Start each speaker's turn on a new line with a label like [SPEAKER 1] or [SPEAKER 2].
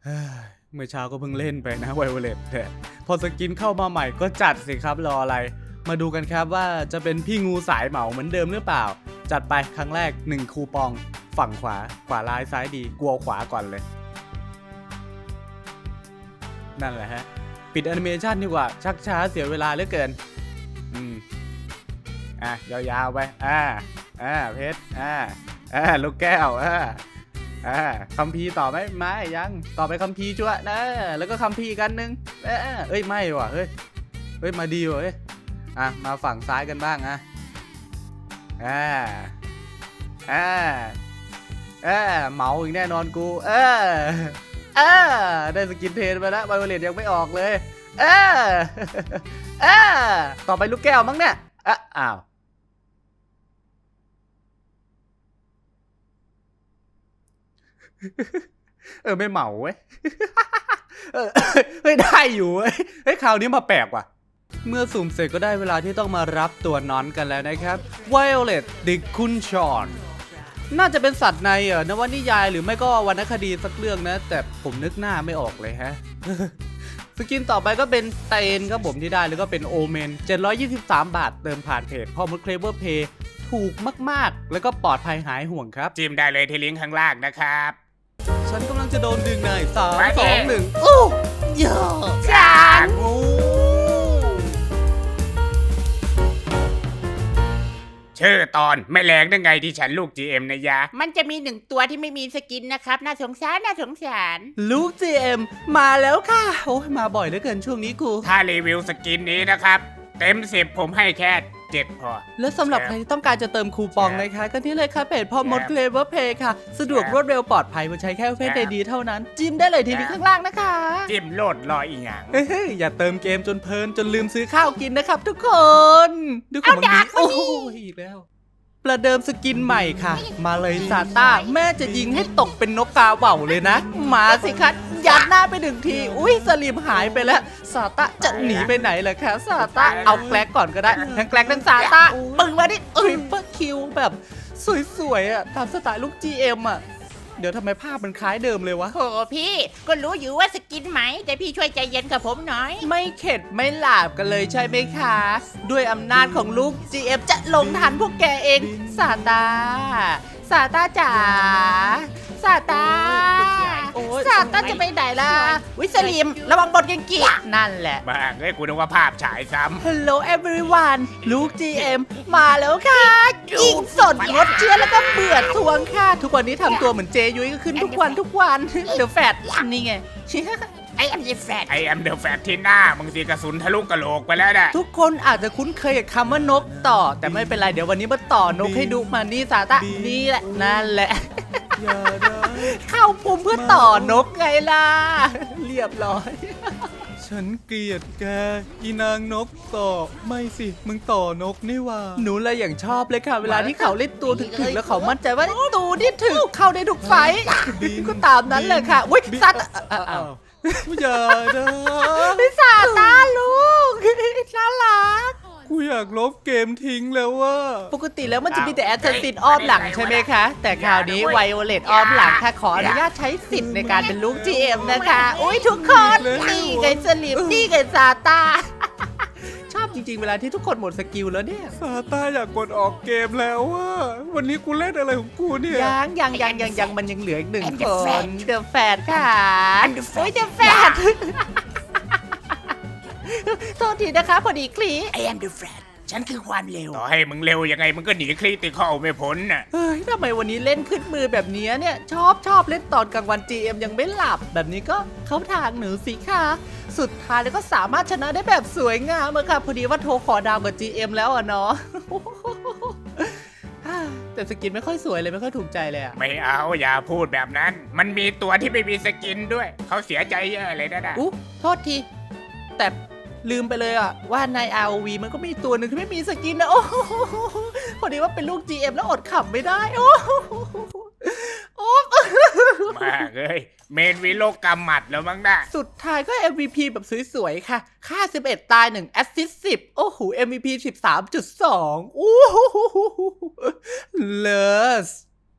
[SPEAKER 1] เมื่อเช้าก็เพิ่งเล่นไปนะไวโอเลตแต่พอสกินเข้ามาใหม่ก็จัดสิครับรออะไรมาดูกันครับว่าจะเป็นพี่งูสายเหมาเหมือนเดิมหรือเปล่าจัดไปครั้งแรก1คูปองฝั่งขวาร้ายซ้ายดีกลัวขวาก่อนเลยนั่นแหละฮะปิดแอนิเมชันดีกว่าชักช้าเสียเวลาเหลือเกินยาวๆไปเพชรลูกแก้วคัมภีร์ต่อไหมไม่ยังต่อไปคัมภีร์จั่วนะแล้วก็คัมภีร์กันนึงไม่ว่ะเฮ้ยมาดีว่ะเฮ้ยมาฝั่งซ้ายกันบ้างเหมาอีกแน่นอนกูได้สกินเทนไปแล้วไวโอเลตยังไม่ออกเลยต่อไปลูกแก้วมั้งเนี่ยอ้าวไม่เหมาเว้ยได้อยู่เว้ยคราวนี้มาแปลกว่ะเมื่อสุ่มเสร็จก็ได้เวลาที่ต้องมารับตัวนอนกันแล้วนะครับ Violet ดิคุนชอนน่าจะเป็นสัตว์ในนวนิยายหรือไม่ก็วรรณคดีสักเรื่องนะแต่ผมนึกหน้าไม่ออกเลยฮะ สกินต่อไปก็เป็นเตนครับผมที่ได้แล้วก็เป็นโอเมน723 บาทเติมผ่านเพจพ่อมดเคลเวอร์เพย์ถูกมากๆแล้วก็ปลอดภัยหายห่วงครับ
[SPEAKER 2] จิ้มได้เลยที่ลิงก์ข้างล่างนะครับ
[SPEAKER 1] ฉันกำลังจะโดนดึงใน3 2 1อู้ยอจานงู
[SPEAKER 2] ชื่อตอนไม่แรงได้ไงที่ฉันลูก GM นะยะ
[SPEAKER 3] มันจะมี1ตัวที่ไม่มีสกินนะครับน่าสงสาร
[SPEAKER 1] ลูก GM มาแล้วค่ะโอ้ยมาบ่อยเหลือเกินช่วงนี้กู
[SPEAKER 2] ถ้ารีวิวสกินนี้นะครับเต็ม10ผมให้แค่7พอ
[SPEAKER 1] แล้วสำหรับใครที่ต้องการจะเติมคูปองนะคะก็นี่เลยค่ะเพจพ่อมดเคลเวอร์เพย์ค่ะสะดวกรวดเร็วปลอดภัยมาใช้แค่เฟซดีเท่านั้นจิ้มได้เลยทีนี้ข้างล่างนะคะ
[SPEAKER 2] จิ้มโลดรออีกอย่าง
[SPEAKER 1] อย่าเติมเกมจนเพลินจนลืมซื้อข้าวกินนะครับทุกคนดูของมันดีโอ้ยอีกแล้วประเดิมสกินใหม่ค่ะมาเลยซาต้าแม่จะยิงให้ตกเป็นนกกาเหว่าเลยนะมาสิคะยัดหน้าไป1 ทีอุ้ยสลิมหายไปแล้วซาต้าจะหนีไปไหนล่ะคะซาต้าเอาแกลกก่อนก็ได้ทั้งแกลกทั้งซาต้าปึ้งมาดิเปิดคิวแบบสวยๆตามสไตล์ลูก GM เดี๋ยวทำไมภาพมันคล้ายเดิมเลยวะ
[SPEAKER 3] โหพี่ก็รู้อยู่ว่าสกินไหมแต่พี่ช่วยใจเย็นกับผมหน่อย
[SPEAKER 1] ไม่เข็ดไม่หลาบกันเลยใช่ไหมคะด้วยอำนาจของลูก GM จะลงทันพวกแกเองซาต้าจ๋าซาต้าจะไปไหนล่ะวิสลิมระวังบทยังกี้นั่นแหละ
[SPEAKER 2] บ้างกูนึกว่าภาพฉายซ้ำ
[SPEAKER 1] Hello everyone ลูก GM มาแล้วค่ะยิงสดงดเชื้อแล้วก็เบื่อทวงค่ะทุกวันนี้ทำตัวเหมือนเจยุ้ยก็ขึ้นทุกวันเดี๋ยวแฟดนี่ไง
[SPEAKER 3] I am the
[SPEAKER 2] fat ที่หน้ามึงสีกระสุนทะลุกะโหลกไปแล้วนะ
[SPEAKER 1] ทุกคนอาจจะคุ้นเคยกับคำว่านกต่อแต่ไม่เป็นไรเดี๋ยววันนี้มาต่อนกให้ดูมานี่ซาต้านี่แหละนั่นแหละเข้าปุ่มเพื่อต่อนกไงล่ะเรียบร้อยฉันเกลียดแกอีนางนกต่อไม่สิมึงต่อนกนี่ว่าหนูเลยอย่างชอบเลยค่ะเวลาที่เขาเล่นตัวถึกๆแล้วเขามั่นใจว่าตัวนี่ถึกเข้าได้ทุกไฟก็ตามนั้นเลยค่ะอุ้ยซาต้าอย่านะ
[SPEAKER 3] พี่ซาต้าลูกน่ารัก
[SPEAKER 1] กูอยากลบเกมทิ้งแล้วว่าปกติแล้วมันจะมีแต่แอสซัสซินอ้อมหลังใช่ไหมคะแต่คราวนี้ไวโอเลตอ้อมหลังค่ะขออนุญาตใช้สิทธิ์ในการเป็นลูก GM นะคะอุ้ยทุกคนนี่ไงสลิปนี่ไงซาต้าชอบจริงๆเวลาที่ทุกคนหมดสกิลแล้วเนี่ยซาต้าอยากกดออกเกมแล้วว่าวันนี้กูเล่นอะไรของกูเนี่ยยังมันยังเหลืออีก1 คนเดอะแฟดค่ะโอ้ยเดอะแฟดโทษทีนะคะพอดีคลี
[SPEAKER 3] I am the fat ฉันคือความเร็ว
[SPEAKER 2] ต่อให้มึงเร็วยังไงมึงก็หนีคริติคอลไม่พ้นน่ะ
[SPEAKER 1] ทำไมวันนี้เล่นขึ้นมือแบบนี้เนี่ยชอบเล่นตอนกลางวัน GM ยังไม่หลับแบบนี้ก็เข้าทางหนูสิค่ะสุดท้ายแล้วก็สามารถชนะได้แบบสวยงามเลยค่ะพอดีว่าโทรขอดาวกับ GM แล้วเนาะแต่สกินไม่ค่อยสวยเลยไม่ค่อยถูกใจเลย
[SPEAKER 2] ไม่เอาอย่าพูดแบบนั้นมันมีตัวที่ไม่มีสกินด้วยเขาเสียใจเยอะเลยนะ
[SPEAKER 1] โทษทีแต่ลืมไปเลยว่าใน ROV มันก็มีตัวหนึ่งที่ไม่มีสกินนะโอ้พอดีว่าเป็นลูก GM แล้วอดขำไม่ได้
[SPEAKER 2] มากเลยเมนวิโลกำหมัดแล้วมั้งนะ
[SPEAKER 1] สุดท้ายก็ MVP แบบสวยๆค่ะค่า11ตาย1แอสซิสต์10โอ้โห MVP 13.2 โอ้โหเลส